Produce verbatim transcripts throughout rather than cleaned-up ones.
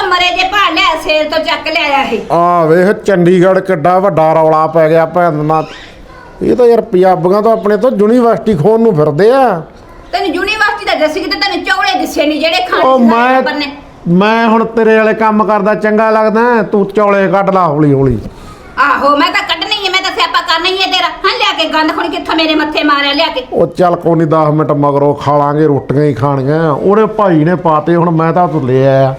ਮਰੇ ਜੇ ਭਾਲ ਲਿਆ ਸੇਲ ਤੋਂ ਚੱਕ ਲਿਆਇਆ ਇਹ। ਆ ਵੇਖ ਚੰਡੀਗੜ੍ਹ ਕਿੱਡਾ ਵੱਡਾ ਰੌਲਾ ਪੈ ਗਿਆ ਭੈਣ ਨਾਲ। ਇਹ ਤਾਂ ਯਾਰ ਪੰਜਾਬੀਆਂ ਤੋਂ ਆਪਣੇ ਤੋਂ ਯੂਨੀਵਰਸਿਟੀ ਖੋਣ ਨੂੰ ਫਿਰਦੇ ਆ। ਤੈਨੂੰ ਯੂਨੀਵਰਸਿਟੀ ਦਾ ਦੱਸੀ ਕਿ ਤੈਨੂੰ ਚੌੜੇ ਦਿਸੇ ਨਹੀਂ ਜਿਹੜੇ ਖਾਣੇ ਉਹ ਮੈਂ ਮੈਂ ਹੁਣ ਤੇਰੇ ਵਾਲੇ ਕੰਮ ਕਰਦਾ ਚੰਗਾ ਲੱਗਦਾ ਤੂੰ ਚੌਲੇ ਕੱਢ ਲਾ ਹੌਲੀ ਹੌਲੀ। ਆਹੋ ਮੈਂ ਤਾਂ ਕੱਢਣੀ ਹੈ, ਮੈਂ ਤਾਂ ਸਿਆਪਾ ਕਰਨਾ ਹੀ ਹੈ ਤੇਰਾ। ਹਾਂ ਲਿਆ ਕੇ ਗੰਦ ਖੁਣ ਕਿੱਥੋਂ ਮੇਰੇ ਮੱਥੇ ਮਾਰਿਆ ਲਿਆ ਕੇ। ਉਹ ਚੱਲ ਕੋਈ ਨਹੀਂ ਦਸ ਮਿੰਟ ਮਗਰੋਂ ਖਾ ਲਾਂਗੇ, ਰੋਟੀਆਂ ਹੀ ਖਾਣੀਆਂ। ਉਹਦੇ ਭਾਈ ਨੇ ਪਾਤੇ, ਹੁਣ ਮੈਂ ਤਾਂ ਤੂੰ ਲੈ ਆਇਆ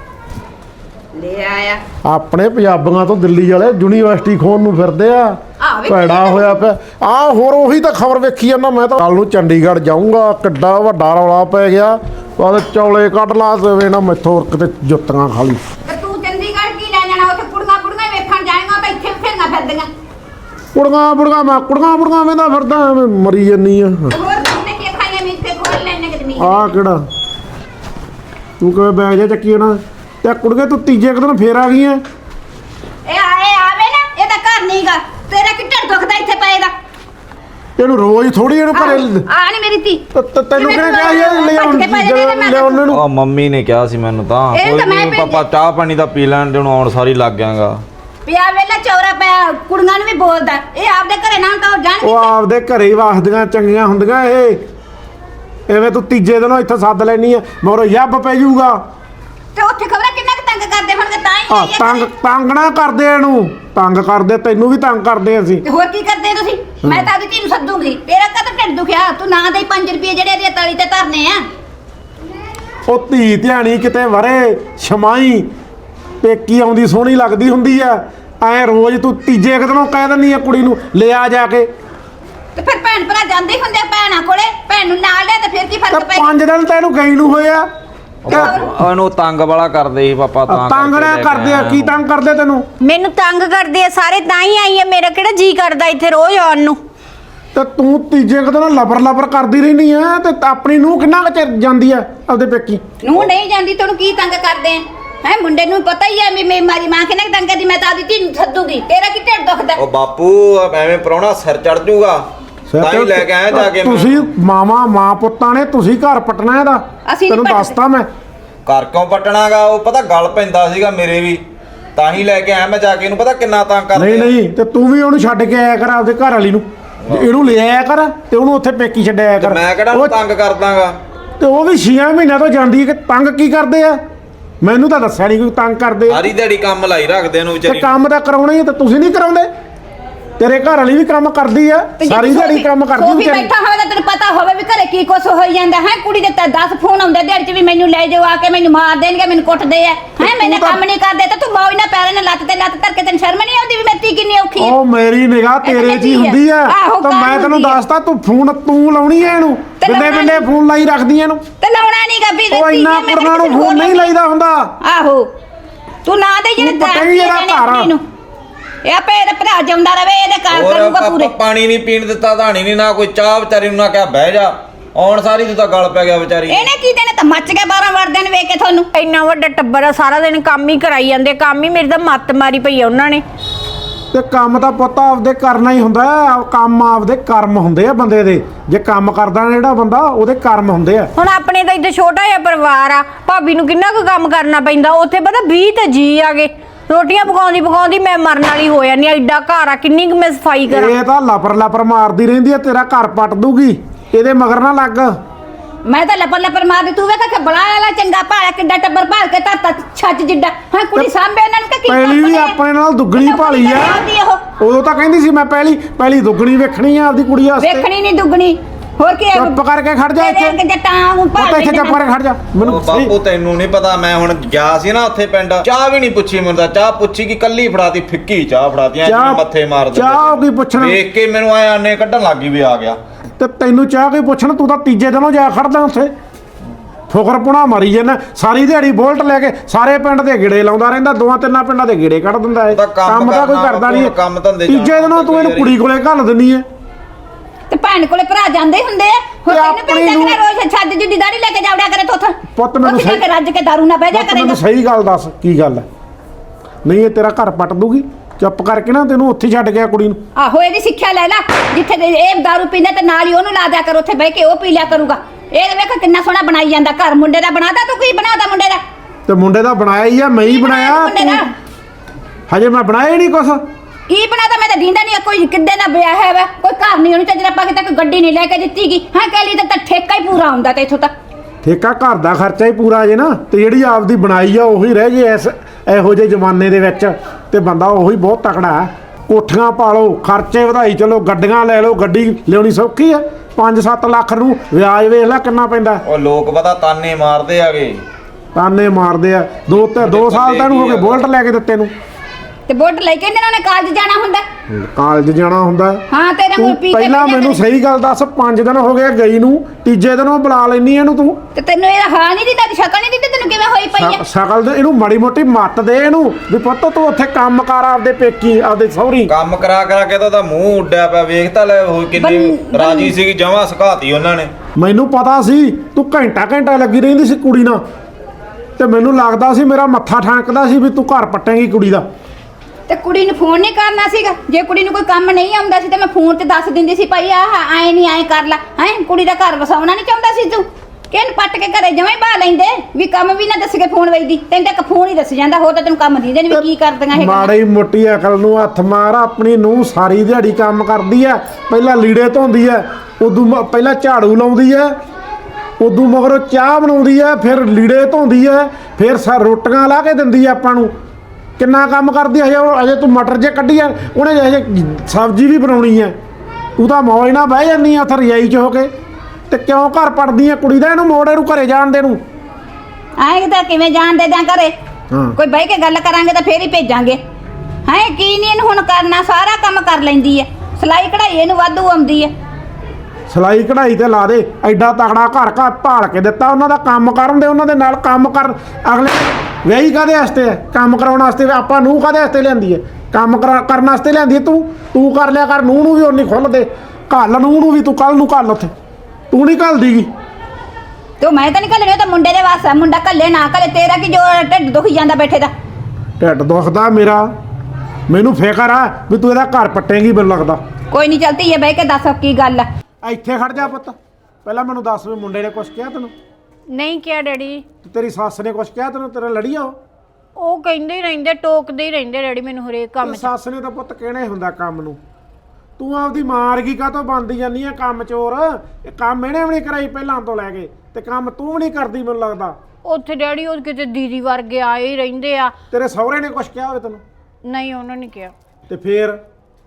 ਲੈ ਆਇਆ ਆਪਣੇ ਪੰਜਾਬੀਆਂ ਤੋਂ ਦਿੱਲੀ ਵਾਲੇ ਯੂਨੀਵਰਸਿਟੀ ਖੋਣ ਨੂੰ ਫਿਰਦੇ ਆ। ਭੈੜਾ ਹੋਇਆ ਪਿਆ ਆ। ਹੋਰ ਉਹੀ ਤਾਂ ਖਬਰ ਵੇਖੀ ਜਾਂਦਾ ਮੈਂ ਤਾਂ। ਕੱਲ ਨੂੰ ਚੰਡੀਗੜ੍ਹ ਜਾਊਂਗਾ, ਕਿੱਡਾ ਵੱਡਾ ਰੌਲਾ ਪੈ ਗਿਆ। ਉਹਦੇ ਚੌਲੇ ਕੱਢ ਲਾ ਦੇਵੇ ਨਾ ਮੈਥੋਂ ਕਿਤੇ ਜੁੱਤੀਆਂ ਖਾ ਲਈ। ਤੂੰ ਚੰਡੀਗੜ੍ਹ ਕੀ ਲੈ ਜਾਣਾ? ਉੱਥੇ ਕੁੜੀਆਂ ਕੁੜੀਆਂ ਵੇਖਣ ਜਾਏਗਾ ਤਾਂ ਇੱਥੇ ਫਿਰਨਾ ਫਿਰਦੀਆਂ। ਕੁੜੀਆਂ ਕੁੜੀਆਂ ਮੈਂ ਕੁੜੀਆਂ ਕੁੜੀਆਂ ਵੇਂਦਾ ਫਿਰਦਾ ਐਵੇਂ ਮਰੀ ਜੰਨੀ ਆ। ਹੋਰ ਕਿੰਨੇ ਕੀ ਖਾਈਆਂ ਮੀਟ ਤੇ ਖੋਲ ਲੈਣੇ ਕਿ ਮੀਟ। ਆ ਕਿਹੜਾ ਤੂੰ ਕਿਵੇਂ ਬੈਗ ਜਿਹਾ ਚੱਕੀ ਜਾਣਾ ਤੇ ਕੁੜੀਆਂ ਤੂੰ ਤੀਜੇ ਕੁ ਦਿਨ ਫੇਰ ਆ ਗਈ ਐ। ਇਹ ਆਏ ਆਵੇ ਨਾ, ਇਹ ਤਾਂ ਘਰ ਨਹੀਂਗਾ ਤੇਰਾ। ਕਿ ਢਿੱਡ ਦੁਖਦਾ ਇੱਥੇ ਪਏਗਾ। ਇਹਨੂੰ ਰੋਜ਼ ਥੋੜੀ ਇਹਨੂੰ ਘਰੇ ਆ ਨਹੀਂ ਮੇਰੀ ਧੀ। ਤੈਨੂੰ ਕਿਹਨੇ ਕਿਹਾ ਯਾਰ ਲੈ ਆਉਣ ਲੈ ਉਹਨਾਂ ਨੂੰ? ਆ ਮੰਮੀ ਨੇ ਕਿਹਾ ਸੀ ਮੈਨੂੰ ਤਾਂ। ਕੋਈ ਨਹੀਂ ਪਾਪਾ ਚਾਹ ਪਾਣੀ ਦਾ ਪੀ ਲੈਣ ਦੇ, ਹੁਣ ਆਉਣ ਸਾਰੀ ਲੱਗ ਗਿਆਗਾ। ਪਿਆ ਵੇਲਾ ਚੌਰਾ ਪਿਆ, ਕੁੜੀਆਂ ਨੂੰ ਵੀ ਬੋਲਦਾ। ਇਹ ਆਪਦੇ ਘਰੇ ਨਾ ਤਾਂ ਜਾਣ। ਉਹ ਆਪਦੇ ਘਰੇ ਹੀ ਵਸਦੀਆਂ ਚੰਗੀਆਂ ਹੁੰਦੀਆਂ ਇਹ। ਐਵੇਂ ਤੂੰ ਤੀਜੇ ਦਿਨੋਂ ਇੱਥੇ ਸੱਦ ਲੈਣੀ ਆ, ਮਗਰੋਂ ਯੱਬ ਪੈ ਜਾਊਗਾ। ਤੇ ਉੱਥੇ ਖਬਰਾਂ ਕਿੰਨਾ ਕੁ ਤੰਗ ਕਰਦੇ ਹੋਣਗੇ ਤਾਂ ਹੀ ਆ ਆਈ ਤੰਗ ਤੰਗ ਨਾ ਕਰਦੇ ਇਹਨੂੰ, ਤੰਗ ਕਰਦੇ ਤੈਨੂੰ ਵੀ ਤੰਗ ਕਰਦੇ ਅਸੀਂ। ਤੇ ਹੋਰ ਕੀ ਕਰਦੇ ਤੁਸੀਂ? ਮੈਂ ਤਾਂ ਉਹਦੀ ਧੀ ਨੂੰ ਸੱਦੂਗੀ। ਤੇਰਾ ਕਦ ਢਿੱਡ ਦੁਖਿਆ? ਤੂੰ ਨਾ ਦੇ ਪੰਜ ਰੁਪਏ ਜਿਹੜੇ ਇਹਦੀ ਤਲੀ ਤੇ ਧਰਨੇ ਆ। ਉਹ ਧੀ ਧਿਆਣੀ ਕਿਤੇ ਵਰੇ ਛਮਾਈ ਪੇਕੀ ਆਉਂਦੀ ਸੋਹਣੀ ਲੱਗਦੀ ਹੁੰਦੀ ਆ। ਐ ਰੋਜ਼ ਤੂੰ ਤੀਜੇ ਕੁ ਦਿਨੋਂ ਕਹਿ ਦਿੰਦੀ ਆ ਕੁੜੀ ਨੂੰ ਲੈ ਆ ਜਾ ਕੇ। ਤੇ ਫਿਰ ਭੈਣ ਭਰਾ ਜਾਂਦੇ ਹੀ ਹੁੰਦੇ ਆ ਭੈਣਾਂ ਕੋਲੇ। ਭੈਣ ਨੂੰ ਨਾਲ ਲਿਆ ਤੇ ਫਿਰ ਕੀ ਤੇ ਫਰਕ ਪੈ? ਪੰਜ ਦਿਨ ਤੈਨੂੰ ਗਈ ਨੂੰ ਹੋਇਆ। ਉਹਨੂੰ ਤੰਗ ਵਾਲਾ ਕਰਦੇ ਸੀ ਪਾਪਾ ਤਾਂ। ਤੰਗ ਨਾ ਕਰਦੇ ਆ। ਕੀ ਤੰਗ ਕਰਦੇ ਤੈਨੂੰ? ਮੈਨੂੰ ਤੰਗ ਕਰਦੇ ਆ ਸਾਰੇ, ਤਾਂ ਹੀ ਆਈ ਆ। ਮੇਰਾ ਕਿਹੜਾ ਜੀ ਕਰਦਾ ਇੱਥੇ ਰੋਜ਼ ਆਉਣ ਨੂੰ। ਤੇ ਤੂੰ ਤੀਜੇ ਕੁ ਦਿਨ ਲਬਰ ਲਬਰ ਕਰਦੀ ਰਹਿੰਦੀ ਆ। ਤੇ ਆਪਣੀ ਨੂੰਹ ਕਿੰਨਾ ਕੁ ਚਿਰ ਜਾਂਦੀ ਆ ਆਪਦੇ ਪੇਕੀ? ਨੂੰ ਨਹੀਂ ਜਾਂਦੀ ਤੈਨੂੰ ਕੀ ਤੰਗ ਕਰਦੇ ਆ? ਹੈ ਮੁੰਡੇ ਨੂੰ ਪਤਾ ਹੀ ਆ ਵੀ ਮੇਰੀ ਮਾਰੀ ਮਾਂ ਕਿੰਨਾ ਤੰਗ ਕਰਦੀ। ਮੈਂ ਤਾਂ ਆਪਦੀ ਧੀ ਨੂੰ ਸੱਦੂਗੀ। ਤੇਰਾ ਕੀ ਢਿੱਡ ਦੁਖਦਾ? ਉਹ ਬਾਪੂ ਐਵੇਂ ਪ੍ਰਾਹੁਣਾ ਸਿਰ ਚੜ ਜਾਊਗਾ ਤਾਂ ਹੀ ਲੈ ਕੇ ਆਇਆ ਜਾ ਕੇ। ਤੁਸੀਂ ਮਾਮਾ ਮਾਂ ਪੁੱਤਾਂ ਨੇ ਤੁਸੀਂ ਘਰ ਪਟਣਾ ਇਹਦਾ। ਤੈਨੂੰ ਦੱਸਤਾ ਮੈਂ। ਘਰ ਕਿਉਂ ਪਟਣਾਗਾ? ਉਹ ਪਤਾ ਗਲ ਪੈਂਦਾ ਸੀਗਾ ਮੇਰੇ ਵੀ, ਤਾਂ ਹੀ ਲੈ ਕੇ ਆਇਆ ਮੈਂ ਜਾ ਕੇ। ਇਹਨੂੰ ਪਤਾ ਕਿੰਨਾ ਤੰਗ ਕਰਦੇ। ਨਹੀਂ ਨਹੀਂ ਤੇ ਤੂੰ ਵੀ ਉਹਨੂੰ ਛੱਡ ਕੇ ਆਇਆ ਕਰ ਆਪਦੇ ਘਰ ਵਾਲੀ ਨੂੰ। ਇਹਨੂੰ ਲੈ ਆਇਆ ਕਰ ਤੇ ਉਹਨੂੰ ਉੱਥੇ ਪੇਕੀ ਛੱਡਿਆ ਕਰ। ਮੈਂ ਕਿਹੜਾ ਤੰਗ ਕਰਦਾਗਾ? ਤੇ ਉਹ ਵੀ ਛੇ ਮਹੀਨਿਆਂ ਤੋਂ ਜਾਂਦੀ ਹੈ ਕਿ ਤੰਗ ਕੀ ਕਰਦੇ ਆ? ਮੈਨੂੰ ਤਾਂ ਦੱਸਿਆ ਨਹੀਂ ਕੋਈ ਤੰਗ ਕਰਦੇ। ਸਾਰੀ ਦਿਹਾੜੀ ਕੰਮ ਲਾਈ ਰੱਖਦੇ ਇਹਨੂੰ ਤੇ ਵਿਚਾਰੀ। ਕੰਮ ਤਾਂ ਕਰਾਉਣਾ ਹੀ ਤੇ ਤੁਸੀਂ ਨਹੀਂ ਕਰਾਉਂਦੇ। ਤੇਰੇ ਘਰ ਵਾਲੀ ਵੀ ਕੰਮ ਕਰਦੀ ਆ, ਸਾਰੀ ਦਿਹਾੜੀ ਕੰਮ ਕਰਦੀ ਵਿਚਾਰੀ। ਬੈਠਾ ਹੋਵੇ ਤਾਂ ਤੈਨੂੰ ਪਤਾ ਹੋਵੇ ਵੀ ਘਰੇ ਕੀ ਕੁਛ ਹੋਈ ਜਾਂਦਾ ਹੈ। ਕੁੜੀ ਦੇ ਤਾਂ ਦਸ ਫੋਨ ਆਉਂਦੇ ਦਿਹਾੜੀ 'ਚ ਵੀ ਮੈਨੂੰ ਲੈ ਜਾਓ ਆ ਕੇ, ਮੈਨੂੰ ਮਾਰ ਦੇਣਗੇ, ਮੈਨੂੰ ਕੁੱਟਦੇ ਆ। ਹੈ ਮੈਨੇ ਕੰਮ ਨਹੀਂ ਕਰਦੇ ਤਾਂ ਤੂੰ ਮੌਜ ਨਾਲ ਪੈਰਾਂ ਨਾਲ ਲੱਤ ਤੇ ਲੱਤ ਧਰ ਕੇ ਤੈਨੂੰ ਸ਼ਰਮ ਨਹੀਂ ਆਉਂਦੀ ਵੀ ਮੇਰੀ ਧੀ ਕਿੰਨੀ ਔਖੀ ਹੈ? ਉਹ ਮੇਰੀ ਨਿਗਾਹ ਤੇਰੇ 'ਚ ਹੀ ਹੁੰਦੀ ਆ। ਤਾਂ ਮੈਂ ਤੈਨੂੰ ਦੱਸਤਾ ਤੂੰ ਫੋਨ ਤੂੰ ਲਾਉਣੀ ਐ ਇਹਨੂੰ। ਬਿੰਦੇ ਬਿੰਦੇ ਫੋਨ ਲਾਈ ਰੱਖਦੀ ਇਹਨੂੰ। ਤੇ ਲਾਉਣਾ ਨਹੀਂਗਾ ਵੀ। ਉਹ ਇੰਨਾ ਕੁੜੀਆਂ ਨੂੰ ਫੋਨ ਨਹੀਂ ਲਾਈਦਾ ਹੁੰਦਾ। ਆਹੋ ਤੂੰ ਨਾ ਦੇ ਜਿਹੜੇ ਪਤਾ ਹੀ ਇਹਦਾ ਘਰ ਆ। ਇਹ ਆਪੇ ਇਹਦਾ ਭਰਾ ਜਿਉਂਦਾ ਰਵੇ, ਇਹਦੇ ਘਰ ਕਰੂਗਾ ਪੂਰੇ। ਪਾਣੀ ਨਹੀਂ ਪੀਣ ਦਿੱਤਾ, ਧਾਣੀ ਨਹੀਂ, ਨਾ ਕੋਈ ਚਾਹ ਵਿਚਾਰੀ ਨੂੰ ਨਾ ਕਿਹਾ ਬਹਿ ਜਾ। ਆਉਣ ਸਾਰੀ ਤੂੰ ਤਾਂ ਗਲ ਪੈ ਗਿਆ ਵਿਚਾਰੀ। ਇਹਨੇ ਕੀ ਦੇਣਾ? ਤਾਂ ਮੱਚ ਗਿਆ ਬਾਰਾਂ ਵਰਦਿਆਂ ਨੇ ਵੇਖ ਕੇ ਤੁਹਾਨੂੰ। ਇੰਨਾ ਵੱਡਾ ਟੱਬਰ ਆ, ਸਾਰਾ ਦਿਨ ਕੰਮ ਹੀ ਕਰਾਈ ਜਾਂਦੇ। ਕੰਮ ਹੀ ਮੇਰੀ ਤਾਂ ਮੱਤ ਮਾਰੀ ਪਈ ਆ ਉਹਨਾਂ ਨੇ। ਤੇ ਕੰਮ ਤਾਂ ਪੁੱਤ ਆਪਦੇ ਕਰਨਾ ਹੀ ਹੁੰਦਾ। ਕੰਮ ਆਪਦੇ ਕਰਮ ਹੁੰਦੇ ਆ ਬੰਦੇ ਦੇ। ਜੇ ਕੰਮ ਕਰਦਾ ਨਾ ਜਿਹੜਾ ਬੰਦਾ, ਉਹਦੇ ਕਰਮ ਹੁੰਦੇ ਆ। ਹੁਣ ਆਪਣੇ ਤਾਂ ਇੱਥੇ ਛੋਟਾ ਜਿਹਾ ਪਰਿਵਾਰ ਆ, ਭਾਬੀ ਨੂੰ ਕਿੰਨਾ ਕੁ ਕੰਮ ਕਰਨਾ ਪੈਂਦਾ। ਉੱਥੇ ਪਤਾ ਵੀਹ ਤੇ ਜੀ ਆ ਗਏ। ਰੋਟੀਆਂ ਪਕਾਉਂਦੀ ਪਕਾਉਂਦੀ ਮੈਂ ਮਰਨ ਵਾਲੀ ਹੋ ਜਾਂਦੀ ਆ। ਐਡਾ ਘਰ ਆ, ਕਿੰਨੀ ਕੁ ਮੈਂ ਸਫਾਈ ਕਰਾਂ। ਇਹ ਤਾਂ ਲਪਰ ਲਪਰ ਮਾਰਦੀ ਰਹਿੰਦੀ ਆ, ਤੇਰਾ ਘਰ ਪੱਟ ਦੂਗੀ। ਇਹਦੇ ਮਗਰ ਨਾ ਲੱਗ। ਮੈਂ ਤਾਂ ਲੱਪਰ ਲੱਪਰ ਮਾਰਦੀ। ਤੂੰ ਵੇਖ ਕੇ ਬੜਾ ਵਾਲਾ ਚੰਗਾ ਭਾਲਿਆ, ਕਿੱਡਾ ਟੱਬਰ ਭਾਲ ਕੇ ਧਰਤਾ ਛੱਜ ਜਿੱਡਾ। ਹਾਂ ਕੁੜੀ ਸਾਂਭੇ ਇਹਨਾਂ ਨੂੰ ਕਿ ਕੀ ਪਹਿਲੀ ਵੀ ਆਪਣੇ ਨਾਲ ਦੁੱਗਣੀ ਭਾਲੀ ਆ। ਉਦੋਂ ਤਾਂ ਕਹਿੰਦੀ ਸੀ ਮੈਂ ਪਹਿਲੀ ਪਹਿਲੀ ਦੁੱਗਣੀ ਵੇਖਣੀ ਆ ਆਪਦੀ ਕੁੜੀ ਵਾਸਤੇ। ਵੇਖਣੀ ਨਹੀਂ ਦੁੱਗਣੀ। ਹੋਰ ਕੀ? ਚੁੱਪ ਕਰਕੇ ਖੜ ਜਾ ਇੱਥੇ। ਜੱਟਾਂ ਨੂੰ ਭਾਲ ਇੱਥੇ ਚੁੱਪ ਕਰਕੇ ਖੜ ਜਾ। ਮੈਨੂੰ ਬਾਪੂ ਤੈਨੂੰ ਨਹੀਂ ਪਤਾ, ਮੈਂ ਹੁਣ ਗਿਆ ਸੀ ਨਾ ਉੱਥੇ ਪਿੰਡ, ਚਾਹ ਵੀ ਨਹੀਂ ਪੁੱਛੀ ਮੈਨੂੰ ਤਾਂ। ਚਾਹ ਪੁੱਛੀ ਕਿ ਕੱਲੀ ਫੜਾਤੀ, ਫਿੱਕੀ ਚਾਹ ਫੜਾਤੀ ਐ ਮੱਥੇ ਮਾਰ ਦਿੰਦੇ। ਚਾਹ ਕੀ ਪੁੱਛਣਾ? ਵੇਖ ਕੇ ਮੈਨੂੰ ਆਏ ਆਨੇ ਕੱਢਣ ਲੱਗੀ ਵੀ ਆ ਗਿਆ। ਤੇ ਤੈਨੂੰ ਚਾਹ ਕੋਈ ਪੁੱਛਣ? ਤੂੰ ਤਾਂ ਤੀਜੇ ਦਿਨੋਂ ਜਾ ਖੜਦਾ ਉੱਥੇ ਫੁਕਰਪੁਣਾ ਮਾਰੀ ਜਾਂਦਾ। ਸਾਰੀ ਦਿਹਾੜੀ ਬੋਲਟ ਲੈ ਕੇ ਸਾਰੇ ਪਿੰਡ ਦੇ ਗੇੜੇ ਲਾਉਂਦਾ ਰਹਿੰਦਾ। ਦੋਆਂ ਤਿੰਨਾਂ ਪਿੰਡਾਂ ਦੇ ਗੇੜੇ ਕੱਢ ਦਿੰਦਾ ਏ। ਕੰਮ ਤਾਂ ਕੋਈ ਕਰਦਾ ਨਹੀਂ। ਤੀਜੇ ਦਿਨੋਂ ਤੂੰ ਇਹਨੂੰ ਕੁੜੀ ਕੋਲੇ ਘੱਲ ਦਿੰਦੀ ਏ। ਤੇ ਭੈਣ ਕੋਲੇ ਭਰਾ ਜਾਂਦੇ ਹੁੰਦੇ ਆ। ਹੋਰ ਇਹਨੂੰ ਭੇਜਿਆ ਕਰੇ ਰੋਜ਼ ਛੱਜ ਜਿੱਡੀ ਦਾੜੀ ਲੈ ਕੇ ਜਾਵੜਿਆ ਕਰੇ ਤੋਥ। ਪੁੱਤ ਮੈਨੂੰ ਸਹੀ ਕਿ ਰੱਜ ਕੇ ਦਾਰੂ ਨਾ ਬਹਿ ਜਾ ਕਰੇਗਾ। ਮੈਨੂੰ ਸਹੀ ਗੱਲ ਦੱਸ ਕੀ ਗੱਲ ਹੈ? ਨਹੀਂ ਇਹ ਤੇਰਾ ਘਰ ਪੱਟ ਦੂਗੀ। ਚੁੱਪ ਕਰਕੇ ਨਾ ਤੈਨੂੰ ਉੱਥੇ ਛੱਡ ਗਿਆ ਕੁੜੀ ਨੂੰ। ਆਹੋ ਇਹਦੀ ਸਿੱਖਿਆ ਲੈ ਲੈ। ਜਿੱਥੇ ਇਹ ਦਾਰੂ ਪੀਂਦਾ ਤੇ ਨਾਲ ਹੀ ਉਹਨੂੰ ਲਾ ਦਿਆ ਕਰ, ਉੱਥੇ ਬਹਿ ਕੇ ਉਹ ਪੀ ਲਿਆ ਕਰੂਗਾ। ਇਹ ਵੇਖ ਕਿੰਨਾ ਸੋਹਣਾ ਬਣਾਈ ਜਾਂਦਾ ਘਰ। ਮੁੰਡੇ ਦਾ ਬਣਾਦਾ ਤੂੰ? ਕੀ ਬਣਾਦਾ ਮੁੰਡੇ ਦਾ? ਤੇ ਮੁੰਡੇ ਦਾ ਬਣਾਇਆ ਹੀ ਆ, ਮੈਂ ਹੀ ਬਣਾਇਆ। ਮੁੰਡੇ ਦਾ ਹਜੇ ਮੈਂ ਬਣਾਇਆ ਹੀ ਨਹੀਂ ਕੁਛ। ਕੀ ਬਣਾਤਾ? ਮੈਂ ਤਾਂ ਦੀਂਦਾ ਨਹੀਂ, ਕੋਈ ਕਿੱਦੇ ਨਾ ਵਿਆਹ ਹੈ ਵਾ, ਕੋਈ ਘਰ ਨਹੀਂ ਉਹਨੂੰ ਚੱਜਣਾ ਪਾ ਕੇ ਤੱਕ ਗੱਡੀ ਨਹੀਂ ਲੈ ਕੇ ਦਿੱਤੀ ਗਈ। ਹਾਂ ਕਹਿ ਲਈ ਤਾਂ ਠੇਕਾ ਹੀ ਪੂਰਾ ਹੁੰਦਾ ਤੇ ਇੱਥੋਂ ਤੱਕ ਠੇਕਾ ਘਰ ਦਾ ਖਰਚਾ ਹੀ ਪੂਰਾ ਜੇ ਨਾ, ਤੇ ਜਿਹੜੀ ਆਪਦੀ ਬਣਾਈ ਆ ਉਹੀ ਰਹਿ ਜੇ ਇਸ ਇਹੋ ਜਿਹੇ ਜ਼ਮਾਨੇ ਦੇ ਵਿੱਚ, ਤੇ ਬੰਦਾ ਉਹੀ ਬਹੁਤ ਤਕੜਾ ਹੈ। ਕੋਠੀਆਂ ਪਾ ਲਓ, ਖਰਚੇ ਵਧਾਈ ਚਲੋ, ਗੱਡੀਆਂ ਲੈ ਲਓ, ਗੱਡੀ ਲਿਆਉਣੀ ਸੌਖੀ ਆ। ਪੰਜ ਸੱਤ ਲੱਖ ਨੂੰ ਵਿਆਜ ਵੇਖ ਲੈ ਕਿੰਨਾ ਪੈਂਦਾ। ਉਹ ਲੋਕ ਪਤਾ ਤਾਨੇ ਮਾਰਦੇ ਆਗੇ, ਤਾਨੇ ਮਾਰਦੇ ਆ। ਦੋ ਤੇ ਦੋ ਸਾਲ ਤੈਨੂੰ ਹੋ ਗਏ ਬੁਲਟ ਲੈ ਕੇ ਦਿੱਤੇ ਨੂੰ, ਤੇ ਬੁੱਟ ਲੈ ਕੇ ਇਹਨਾਂ ਨੇ ਕਾਲਜ ਜਾਣਾ ਹੁੰਦਾ। ਕਾਲਜ ਜਾਣਾ ਹੁੰਦਾ। ਹਾਂ ਤੇਰੇ ਤੂੰ ਕੋਲ ਪੀ ਕੇ ਪਹਿਲਾਂ ਭੇਜਿਆ ਮੈਨੂੰ ਕਰੇ। ਸਹੀ ਗੱਲ ਦੱਸ, ਪੰਜ ਦਿਨ ਹੋ ਗਏ ਗਈ ਨੂੰ, ਤੀਜੇ ਦਿਨ ਉਹ ਬੁਲਾ ਲੈਣੀ ਇਹਨੂੰ ਤੂੰ। ਤੇ ਤੈਨੂੰ ਇਹਦਾ ਹਾਲ ਨਹੀਂ ਦਿੱਤਾ, ਸ਼ਕਲ ਨਹੀਂ ਦਿੱਤੀ, ਤੈਨੂੰ ਕਿਵੇਂ ਹੋਈ ਪਈ ਆ? ਸ਼- ਸ਼ਕਲ ਦੇ ਇਹਨੂੰ ਮਾੜੀ ਮੋਟੀ ਮੱਤ ਦੇ ਇਹਨੂੰ ਵੀ ਪੁੱਤ ਤੂੰ ਉੱਥੇ ਕੰਮ ਕਰ ਆਪਦੇ ਪੇਕੀ ਆਪਦੇ ਸਹੁਰੀ। ਕੰਮ ਕਰਾ ਕਰਾ ਕੇ ਤਾਂ ਉਹਦਾ ਮੂੰਹ ਉੱਡਿਆ ਪਿਆ, ਵੇਖ ਤਾਂ ਲੈ ਉਹ ਕਿੰਨੀ ਬੰ- ਬੰ- ਰਾਜੀ ਸੀਗੀ, ਜਮਾਂ ਸੁਕਾਤੀ ਉਹਨਾਂ ਨੇ। ਮੈਨੂੰ ਪਤਾ ਸੀ ਤੂੰ ਘੰਟਾ ਘੰਟਾ ਲੱਗੀ ਰਹਿੰਦੀ ਸੀ ਕੁੜੀ ਨਾਲ, ਤੇ ਮੈਨੂੰ ਲੱਗਦਾ ਸੀ ਮੇਰਾ ਮੱਥਾ ਠਾਂਕਦਾ ਸੀ ਵੀ ਤੂੰ ਘਰ ਪੱਟੇਂਗੀ ਕੁੜੀ ਦਾ। ਤੇ ਕੁੜੀ ਨੂੰ ਫੋਨ ਨਹੀਂ ਕਰਨਾ ਸੀਗਾ? ਜੇ ਕੁੜੀ ਨੂੰ ਕੋਈ ਕੰਮ ਨਹੀਂ ਆਉਂਦਾ ਸੀ ਤੇ ਮੈਂ ਫੋਨ ਤੇ ਦੱਸ ਦਿੰਦੀ ਸੀ, ਭਾਈ ਆਹ ਐ ਨਹੀਂ ਐ ਕਰ ਲੈ। ਹੈ ਕੁੜੀ ਦਾ ਘਰ ਵਸਾਉਣਾ ਨਹੀਂ ਚਾਹੁੰਦਾ ਸੀ ਤੂੰ? ਕਿਹਨ ਪੱਟ ਕੇ ਘਰੇ ਜਮਾਂ ਹੀ ਬਾਹ ਲੈਂਦੇ ਵੀ ਕੰਮ ਵੀ ਨਾ ਦੱਸ ਕੇ ਫੋਨ ਵੇਚਦੀ। ਤੈਨੂੰ ਤਾਂ ਇੱਕ ਫੋਨ ਹੀ ਦੱਸ ਜਾਂਦਾ, ਹੋਰ ਤਾਂ ਤੈਨੂੰ ਕੰਮ ਦੀਦੇ ਨਹੀਂ ਵੀ ਕੀ ਕਰਦੀਆਂ ਇਹ। ਮਾੜੀ ਮੋਟੀ ਅਕਲ ਨੂੰ ਹੱਥ ਮਾਰ। ਆਪਣੀ ਨੂੰਹ ਸਾਰੀ ਦਿਹਾੜੀ ਕੰਮ ਕਰਦੀ ਐ, ਪਹਿਲਾਂ ਲੀੜੇ ਧੋਂਦੀ ਐ, ਉਦੋਂ ਮ- ਪਹਿਲਾਂ ਝਾੜੂ ਲਾਉਂਦੀ ਐ, ਉਦੋਂ ਮਗਰੋਂ ਚਾਹ ਬਣਾਉਂਦੀ ਐ, ਫਿਰ ਲੀੜੇ ਧੋਂਦੀ ਐ, ਫਿਰ ਸਾ ਰੋਟੀਆਂ ਲਾ ਕੇ ਦਿੰਦੀ ਐ ਆਪਾਂ ਨੂੰ। ਕਿੰਨਾ ਕੰਮ ਕਰਦੀ ਐ। ਹਜੇ ਉਹ- ਹਜੇ ਤੂੰ ਮਟਰ ਜੇ ਕੱਢੀ ਐ, ਉਹਨੇ ਹਜੇ ਸਬਜ਼ੀ ਵੀ ਬਣਾਉਣੀ ਐ। ਤੂੰ ਤਾਂ ਮੌਜ ਨਾਲ ਬਹਿ ਜਾਂਦੀ ਆ ਉੱਥੇ ਰਜਾਈ 'ਚ ਹੋ ਕੇ, ਤੇ ਕਿਉਂ ਘਰ ਪੜਦੀ ਐ ਕੁੜੀ ਦਾ? ਇਹਨੂੰ ਮੋੜ, ਇਹਨੂੰ ਘਰੇ ਜਾਣ ਦੇ ਨੂੰ। ਐਂ ਤਾਂ ਕਿਵੇਂ ਜਾਣ ਦੇ ਦਿਆਂ ਘਰੇ? ਹਾਂ। ਕੋਈ ਬਹਿ ਕੇ ਗੱਲ ਕਰਾਂਗੇ ਤਾਂ ਫੇਰ ਹੀ ਭੇਜਾਂਗੇ। ਹੈ ਕੀ ਨਹੀਂ ਇਹਨੂੰ ਹੁਣ ਕਰਨਾ, ਸਾਰਾ ਕੰਮ ਕਰ ਲੈਂਦੀ ਐ। ਸਿਲਾਈ ਕਢਾਈ ਇਹਨੂੰ ਵਾਧੂ ਆਉਂਦੀ ਐ। ਸਿਲਾਈ ਕਢਾਈ ਤੇ ਲਾ ਦੇ। ਐਡਾ ਤਕੜਾ ਘਰ ਘਰ ਭਾਲ ਕੇ ਦਿੱਤਾ, ਉਹਨਾਂ ਦਾ ਕੰਮ ਕਰਨ ਦੇ, ਉਹਨਾਂ ਦੇ ਨਾਲ ਕੰਮ ਕਰ। ਅਗਲੇ ਵਿਆਹੀ ਕਾਹਦੇ ਵਾਸਤੇ ਹੈ? ਕੰਮ ਕਰਾਉਣ ਵਾਸਤੇ। ਆਪਾਂ ਨੂੰ ਕਾਹਦੇ ਵਾਸਤੇ ਲਿਆਂਦੀ ਹੈ? ਕੰਮ ਕਰਾ ਕਰਨ ਵਾਸਤੇ ਲਿਆਂਦੀ ਹੈ। ਤੂੰ ਤੂੰ ਕਰ ਲਿਆ ਕਰ। ਨੂੰਹ ਨੂੰ ਵੀ ਉਨੀ ਖੁੱਲ੍ਹ ਦੇ, ਘੱਲ ਨੂੰਹ ਨੂੰ ਵੀ। ਤੂੰ ਕੱਲ ਨੂੰ ਘੱਲ ਉੱਥੇ, ਤੂੰ ਨਹੀਂ ਘੱਲਦੀਗੀ। ਤੂੰ ਮੈਂ ਤਾਂ ਨਹੀਂ ਘੱਲਣੀ, ਉਹ ਤਾਂ ਮੁੰਡੇ ਦੇ ਵਾਸਤੇ। ਮੁੰਡਾ ਘੱਲੇ ਨਾ ਘੱਲੇ, ਤੇਰਾ ਕੀ ਜੋ ਢਿੱਡ ਦੁਖੀ ਜਾਂਦਾ ਬੈਠੇ ਦਾ। ਢਿੱਡ ਦੁਖਦਾ ਮੇਰਾ, ਮੈਨੂੰ ਫਿਕਰ ਆ ਵੀ ਤੂੰ ਇਹਦਾ ਘਰ ਪੱਟੇਂਗੀ ਮੈਨੂੰ ਲੱਗਦਾ। ਕੋਈ ਨਹੀਂ, ਚਲਤੀ ਇਹ ਬਹਿ ਕੇ ਦੱਸ ਕੀ ਗੱਲ ਆ। ਇੱਥੇ ਖੜ ਜਾ ਪੁੱਤ, ਪਹਿਲਾਂ ਮੈਨੂੰ ਦੱਸ ਵੀ ਮੁੰਡੇ ਨੇ ਕੁਛ ਕਿਹਾ ਤੈਨੂੰ? ਨਹੀਂ ਕਿਹਾ ਡੈਡੀ। ਤੇ ਤੇਰੀ ਸੱਸ ਨੇ ਕੁਛ ਕਿਹਾ ਤੈਨੂੰ? ਤੇਰਾ ਲੜੀ ਆ ਉਹ? ਉਹ ਕਹਿੰਦੇ ਹੀ ਰਹਿੰਦੇ, ਟੋਕਦੇ ਹੀ ਰਹਿੰਦੇ ਡੈਡੀ ਮੈਨੂੰ ਹਰੇਕ ਕੰਮ ਤੇ 'ਚ। ਸੱਸ ਨੇ ਤਾਂ ਪੁੱਤ ਕਹਿਣਾ ਹੀ ਹੁੰਦਾ ਕੰਮ ਨੂੰ। ਤੂੰ ਆਪਦੀ ਮਾਰਗੀ ਕਾਹਤੋਂ ਬਣਦੀ ਜਾਂਦੀ ਆ ਕੰਮ ਚੋਰ? ਇਹ ਕੰਮ ਇਹਨੇ ਵੀ ਨਹੀਂ ਕਰਾਈ ਪਹਿਲਾਂ ਤੋਂ ਲੈ ਕੇ, ਤੇ ਕੰਮ ਤੂੰ ਵੀ ਨਹੀਂ ਕਰਦੀ ਮੈਨੂੰ ਲੱਗਦਾ। ਉੱਥੇ ਡੈਡੀ ਉਹ ਕਿਤੇ ਦੀਦੀ ਵਰਗੇ ਆਏ ਹੀ ਰਹਿੰਦੇ ਆ। ਤੇਰੇ ਸਹੁਰੇ ਨੇ ਕੁਛ ਕਿਹਾ ਹੋਵੇ ਤੈਨੂੰ? ਨਹੀਂ ਉਹਨਾਂ ਨੇ ਕਿਹਾ। ਤੇ ਫੇਰ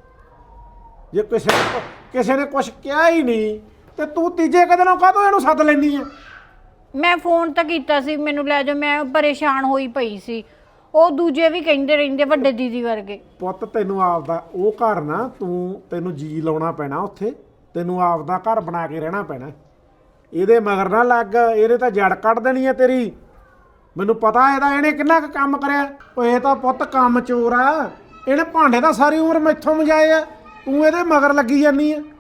ਜੇ ਕਿਸੇ ਨੇ ਕਿਸੇ ਨੇ ਕੁਛ ਕਿਹਾ ਹੀ ਨਹੀਂ, ਤੇ ਤੂੰ ਤੀਜੇ ਕਦੇ ਨੂੰ ਕਾਹਤੋਂ ਇਹਨੂੰ ਸੱਦ ਲੈਂਦੀ ਆ? ਮੈਂ ਫੋਨ ਤਾਂ ਕੀਤਾ ਸੀ, ਮੈਨੂੰ ਲੈ ਜਾਓ, ਮੈਂ ਪਰੇਸ਼ਾਨ ਹੋਈ ਪਈ ਸੀ। ਉਹ ਦੂਜੇ ਵੀ ਕਹਿੰਦੇ ਰਹਿੰਦੇ, ਵੱਡੇ ਦੀਦੀ ਵਰਗੇ। ਪੁੱਤ ਤੈਨੂੰ ਆਪਦਾ ਉਹ ਘਰ ਨਾ, ਤੂੰ ਤੈਨੂੰ ਜੀ ਲਾਉਣਾ ਪੈਣਾ ਉੱਥੇ। ਤੈਨੂੰ ਆਪਦਾ ਘਰ ਬਣਾ ਕੇ ਰਹਿਣਾ ਪੈਣਾ। ਇਹਦੇ ਮਗਰ ਨਾ ਲੱਗ, ਇਹਦੇ ਤਾਂ ਜੜ ਕੱਢ ਦੇਣੀ ਆ ਤੇਰੀ। ਮੈਨੂੰ ਪਤਾ ਇਹਦਾ, ਇਹਨੇ ਕਿੰਨਾ ਕੁ ਕੰਮ ਕਰਿਆ। ਉਹ ਇਹ ਤਾਂ ਪੁੱਤ ਕੰਮ ਚੋਰ ਆ। ਇਹਨੇ ਭਾਂਡੇ ਤਾਂ ਸਾਰੀ ਉਮਰ ਮੈਥੋਂ ਮਜਾਏ ਆ, ਤੂੰ ਇਹਦੇ ਮਗਰ ਲੱਗੀ ਜਾਂਦੀ ਆ।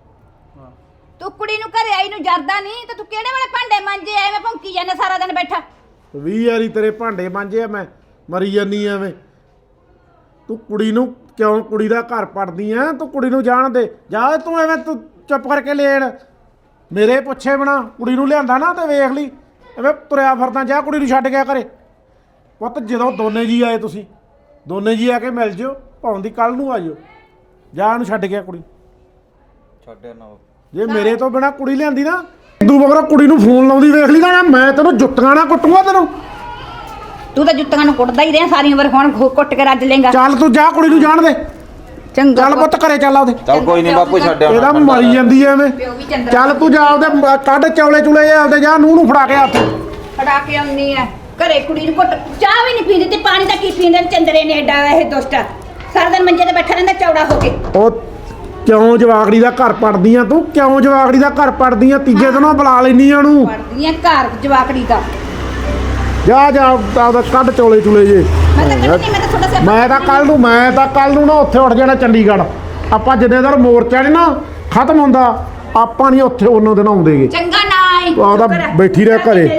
ਤੂੰ ਕੁੜੀ ਨੂੰ ਘਰੇ ਆਈ ਨੂੰ ਜਰਦਾ ਨਹੀਂ ਤੇ ਤੂੰ ਕਿਹੜੇ ਵੇਲੇ ਭਾਂਡੇ ਮਾਂਜੇ ਐਵੇਂ ਭੌਂਕੀ ਜਾਂਦਾ ਸਾਰਾ ਦਿਨ ਬੈਠਾ? ਵੀਹ ਵਾਰੀ ਤੇਰੇ ਭਾਂਡੇ ਮਾਂਜੇ ਆ, ਮੈਂ ਮਰੀ ਜਾਨੀ ਐਵੇਂ। ਤੂੰ ਕੁੜੀ ਨੂੰ ਕਿਉਂ ਕੁੜੀ ਦਾ ਘਰ ਪੜਦੀ ਆ? ਤੂੰ ਕੁੜੀ ਨੂੰ ਜਾਣ ਦੇ ਜਾ। ਤੂੰ ਐਵੇਂ ਤੂੰ ਚੁੱਪ ਕਰਕੇ ਲੈਣ ਮੇਰੇ ਪੁੱਛੇ ਬਣਾ। ਕੁੜੀ ਨੂੰ ਲਿਆਂਦਾ ਨਾ ਤੇ ਵੇਖ ਲਈ ਐਵੇਂ ਤੁਰਿਆ ਫਿਰਦਾ। ਜਾ ਕੁੜੀ ਨੂੰ ਛੱਡ ਗਿਆ ਘਰੇ। ਪੁੱਤ ਜਦੋਂ ਦੋਨੇ ਜੀ ਆਏ, ਤੁਸੀਂ ਦੋਨੇ ਜੀ ਆ ਕੇ ਮਿਲ ਜਿਓ, ਭਾਵੇਂ ਦੀ ਕੱਲ ਨੂੰ ਆ ਜਿਓ। ਜਾ ਇਹਨੂੰ ਛੱਡ ਗਿਆ ਕੁੜੀ। ਛੱਡਿਆ ਨਾ ਜੇ ਮੇਰੇ ਤੋਂ ਬਿਨਾ ਕੁੜੀ ਲਿਆਂਦੀ ਨਾ, ਤੂੰ ਮਗਰ ਕੁੜੀ ਨੂੰ ਫੋਨ ਲਾਉਂਦੀ ਵੇਖ ਲਈ ਨਾ, ਮੈਂ ਤੈਨੂੰ ਜੁੱਤੀਆਂ ਨਾ ਕੁੱਟੂਗਾ ਤੈਨੂੰ। ਤੂੰ ਤਾਂ ਜੁੱਤੀਆਂ ਨੂੰ ਕੁੱਟਦਾ ਹੀ ਰਿਹਾ ਸਾਰੀ ਉਮਰ, ਹੁਣ ਘੁ- ਕੁੱਟ ਕੇ ਰੱਜ ਲੇਗਾ। ਚੱਲ ਤੂੰ ਜਾ ਕੁੜੀ ਨੂੰ ਜਾਣ ਦੇ। ਚੰਗਾ ਚੱਲ ਪੁੱਤ ਘਰੇ ਚੱਲ ਆਉਦੇ। ਚੱਲ ਕੋਈ ਨਹੀਂ ਬਾਪੂ, ਛੱਡਿਆ ਇਹਦਾ ਮਰੀ ਜਾਂਦੀ ਐ ਐਵੇਂ। ਪਿਓ ਵੀ ਚੰਦਰਾ ਚੱਲ ਤੂੰ ਜਾ ਉਹਦੇ ਕੱਢ ਚੌਲੇ ਚੁਲੇ ਜੇ ਆਪਦੇ, ਜਾ ਨੂੰਹ ਨੂੰ ਫੜਾ ਕੇ ਹੱਥ। ਫੜਾ ਕੇ ਆਉਂਦੀ ਐ ਘਰੇ ਕੁੜੀ ਨੂੰ ਕੁੱਟ। ਚਾਹ ਵੀ ਨਹੀਂ ਪੀਂਦੀ ਤੇ ਪਾਣੀ ਦਾ ਕੀ ਪੀਂਦੇ ਨੇ ਚੰਦਰੇ ਨੇ ਐਡਾ ਇਹ ਦੁਸ਼ਟਾ। ਸਾਰਾ ਦਿਨ ਮੰਜੇ ਤੇ ਬੈਠਾ ਰਹਿੰਦਾ ਚੌੜਾ ਹੋ ਕੇ। ਉਹ ਕਿਉਂ ਜਵਾਕੜੀ ਦਾ ਘਰ ਪੜਦੀ ਆ ਤੂੰ? ਕਿਉਂ ਜਵਾਕੜੀ ਦਾ ਘਰ ਪੜਦੀ ਆ? ਤੀਜੇ ਦਿਨੋਂ ਬੁਲਾ ਲੈਨੀ ਆ ਉਹਨੂੰ। ਪੜਦੀਆਂ ਘਰ ਜਵਾਕੜੀ ਦਾ। ਜਾ ਜਾ ਆਪਦਾ ਕੱਢ ਚੌਲੇ ਚੁਲੇ ਜੇ। ਮੈਂ ਤਾਂ ਕੱਢਣੀ, ਮੈਂ ਤਾਂ ਥੋੜਾ ਸਿਰ ਮੈਂ ਤਾਂ ਕੱਲ ਨੂੰ ਮੈਂ ਤਾਂ ਕੱਲ ਨੂੰ ਨਾ ਉੱਥੇ ਉੱਠ ਜਾਣਾ ਚੰਡੀਗੜ੍ਹ। ਆਪਾਂ ਜਿੰਨੇ ਦਿਨ ਮੋਰਚਾ ਨੀ ਨਾ ਖਤਮ ਹੁੰਦਾ, ਆਪਾਂ ਨਹੀਂ ਉੱਥੇ ਉਹਨਾਂ ਦਿਨ ਆਉਂਦੇਗੇ। ਚੰਗਾ ਨਾ ਆਈ ਤੂੰ ਆਪਦਾ ਬੈਠੀ ਰਹਿ ਘਰੇ।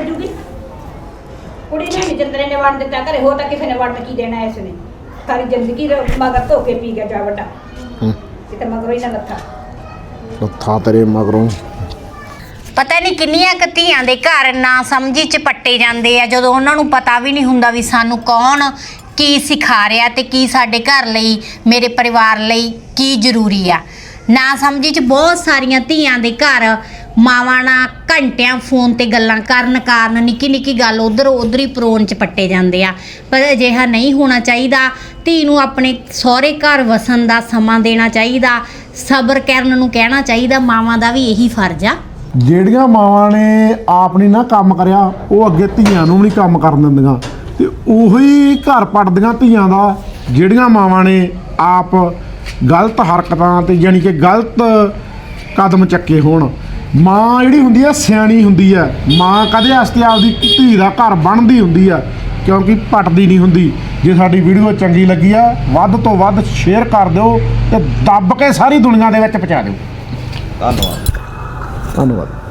ਕੁੜੀ ਨੂੰ ਵੀ ਚੰਦਰੇ ਨੇ ਵੜ ਦਿੱਤਾ ਘਰੇ, ਹੋ ਤਾਂ ਕਿਸੇ ਨੇ ਵੜ ਕੀ ਦੇਣਾ ਇਸ ਨੇ। ਸਾਰੀ ਜ਼ਿੰਦਗੀ ਮਗਰ ਧੋ ਕੇ ਪੀ ਗਿਆ ਜਾ ਵੱਡਾ। ਕਿਤੇ ਮਗਰੋਂ ਹੀ ਨਾ ਲੱਥਾ। ਲੱਥਾ ਤੇਰੇ ਮਗਰੋਂ। ਪਤਾ ਨਹੀਂ ਕਿੰਨੀਆਂ ਕੁ ਧੀਆਂ ਦੇ ਘਰ ਨਾ ਸਮਝੀ ਚ ਪੱਟੇ ਜਾਂਦੇ ਆ ਜਦੋਂ ਉਹਨਾਂ ਨੂੰ ਪਤਾ ਵੀ ਨਹੀਂ ਹੁੰਦਾ ਵੀ ਸਾਨੂੰ ਕੌਣ ਕੀ ਸਿਖਾ ਰਿਹਾ ਤੇ ਕੀ ਸਾਡੇ ਘਰ ਲਈ ਮੇਰੇ ਪਰਿਵਾਰ ਲਈ ਕੀ ਜ਼ਰੂਰੀ ਆ। ਨਾ ਸਮਝੀ ਚ ਬਹੁਤ ਸਾਰੀਆਂ ਧੀਆਂ ਦੇ ਘਰ ਮਾਵਾਂ ਨਾਲ ਘੰਟਿਆਂ ਫੋਨ ਤੇ ਗੱਲਾਂ ਕਰਨ ਕਾਰਨ ਨਿੱਕੀ ਨਿੱਕੀ ਗੱਲ ਉਧਰ ਉਧਰ ਹੀ ਪਰੋਣ ਚ ਪੱਟੇ ਜਾਂਦੇ ਆ। ਪਰ ਅਜਿਹਾ ਨਹੀਂ ਹੋਣਾ ਚਾਹੀਦਾ। ਧੀ ਨੂੰ ਆਪਣੇ ਸਹੁਰੇ ਘਰ ਵਸਣ ਦਾ ਸਮਾਂ ਦੇਣਾ ਚਾਹੀਦਾ, ਸਬਰ ਕਰਨ ਨੂੰ ਕਹਿਣਾ ਚਾਹੀਦਾ। ਮਾਵਾਂ ਦਾ ਵੀ ਇਹੀ ਫਰਜ਼ ਆ। ਜਿਹੜੀਆਂ ਮਾਵਾਂ ਨੇ ਆਪ ਨਹੀਂ ਨਾ ਕੰਮ ਕਰਿਆ ਉਹ ਅੱਗੇ ਧੀਆਂ ਨੂੰ ਵੀ ਨਹੀਂ ਕੰਮ ਕਰਨ ਦਿੰਦੀਆਂ ਤੇ ਉਹੀ ਘਰ ਪੱਟਦੀਆਂ ਧੀਆਂ ਦਾ। ਜਿਹੜੀਆਂ ਮਾਵਾਂ ਨੇ ਆਪ ਗਲਤ ਹਰਕਤਾਂ ਤੇ ਯਾਨੀ ਕਿ ਗਲਤ ਕਦਮ ਚੱਕੇ ਹੋਣ। ਮਾਂ ਜਿਹੜੀ ਹੁੰਦੀ ਆ ਸਿਆਣੀ ਹੁੰਦੀ ਆ। ਮਾਂ ਕਦੇ ਵਾਸਤੇ ਆਪਦੀ ਧੀ ਦਾ ਘਰ ਬਣਦੀ ਹੁੰਦੀ ਆ ਕਿਉਂਕਿ ਪੱਟਦੀ ਨਹੀਂ ਹੁੰਦੀ। ਜੇ ਸਾਡੀ ਵੀਡੀਓ ਚੰਗੀ ਲੱਗੀ ਆ ਵੱਧ ਤੋਂ ਵੱਧ ਸ਼ੇਅਰ ਕਰ ਦਿਓ ਤੇ ਦੱਬ ਕੇ ਸਾਰੀ ਦੁਨੀਆ ਦੇ ਵਿੱਚ ਪਹੁੰਚਾ ਦਿਓ। ਧੰਨਵਾਦ। ਧੰਨਵਾਦ।